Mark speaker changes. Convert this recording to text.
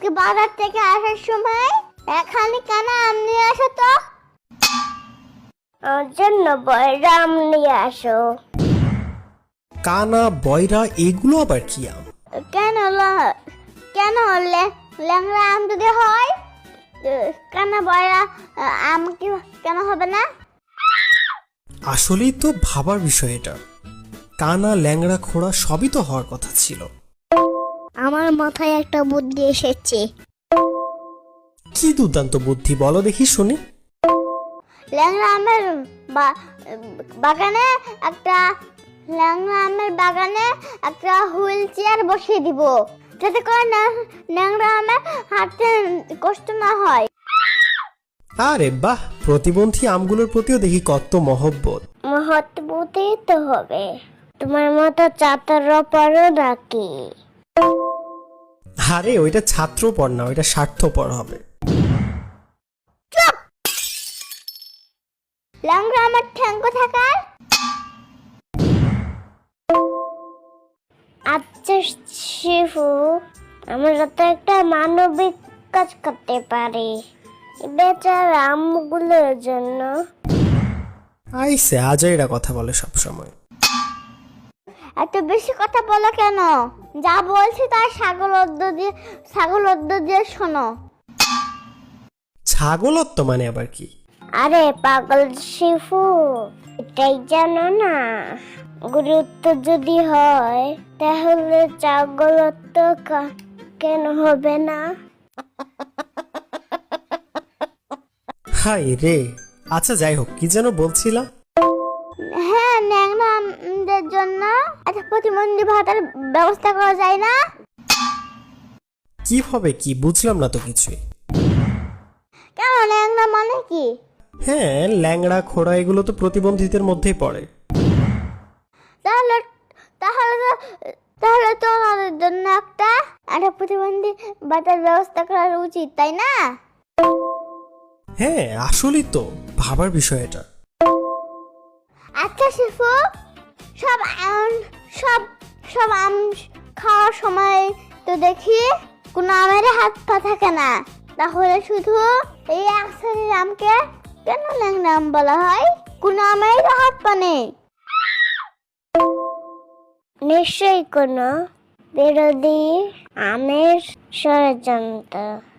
Speaker 1: বাজার থেকে আসার সময় এখানে কেন আম নিয়ে আসো তো? ওর জন্য বয়রা আম নিয়ে আসো।
Speaker 2: কানা, বয়রা এগুলো আবার কি আম?
Speaker 1: কেন কেন ল্যাংড়া আম যদি হয়, কেন বয়রা আম কি কেন হবে না?
Speaker 2: আসলেই তো ভাবার বিষয় এটা। কানা, ল্যাংড়া, খোড়া সবই তো হওয়ার কথা ছিল।
Speaker 1: আমার মাথায় একটা বুদ্ধি এসেছে।
Speaker 2: কি দুর্দান্ত বুদ্ধি, বলো দেখি শুনি।
Speaker 1: ল্যাংড়া আমের বাগানে একটা হুইল চেয়ার বসিয়ে দিব, যাতে করে ল্যাংড়া আমের হাঁটতে কষ্ট না হয়।
Speaker 2: আরে বাহ, প্রতিবন্ধী আমগুলোর প্রতিও দেখি কত মহব্বত।
Speaker 1: মহৎবতই তো হবে। তোমার মতো চাতর পড়ো নাকি?
Speaker 2: আরে ওইটা ছাত্রপর না, ওইটা স্বার্থপর হবে।
Speaker 1: ল্যাংড়া আমার ঠ্যাঙ্গ থাকার। আচ্ছা শিফু, আমরা তো একটা মানবিক কাজ করতে পারি বেচারা আমগুলোর জন্য।
Speaker 2: আইসে আজাইরা কথা বলে সব সময়।
Speaker 1: এত বেশি কথা বলো কেন? যা বলছি তার ছাগল অদ্দ দিয়ে শোনো।
Speaker 2: ছাগলত্ব মানে আবার কি?
Speaker 1: আরে পাগল শিফু, এটাই জানো না? গুরুত্ব যদি হয় তাহলে ছাগলত্ব কেন হবে না?
Speaker 2: হাই রে। আচ্ছা যাই হোক, কি যেন বলছিলা?
Speaker 1: হ্যাঁ, ন্যাংরাদের জন্য একটা প্রতিবন্ধী ভাতার ব্যবস্থা করা যায় না?
Speaker 2: কিভাবে কি বুঝলাম না তো কিছুই।
Speaker 1: কেন, ন্যাংরা মানে কি?
Speaker 2: হ্যাঁ, ল্যাংড়া, খোড়া এগুলো তো প্রতিবন্ধীদের মধ্যেই পড়ে।
Speaker 1: তাহলে তাহলে তো তাহলে তো ওনাদের জন্য একটা প্রতিবন্ধী ভাতার ব্যবস্থা করা উচিত, তাই না?
Speaker 2: হ্যাঁ, আসলেই তো ভাবার বিষয় এটা।
Speaker 1: আচ্ছা শিফু, সব আম সব সব আম খাওয়ার সময় তো দেখি কোনো আমের হাত পা থাকে না, তাহলে শুধু এই এক শ্রেণীর আমকে কেন ল্যাংড়া আম বলা হয়? কোনো আমের হাত পা নেই। নিশ্চয়ই কোনো বিরোধী আমের ষড়যন্ত্র।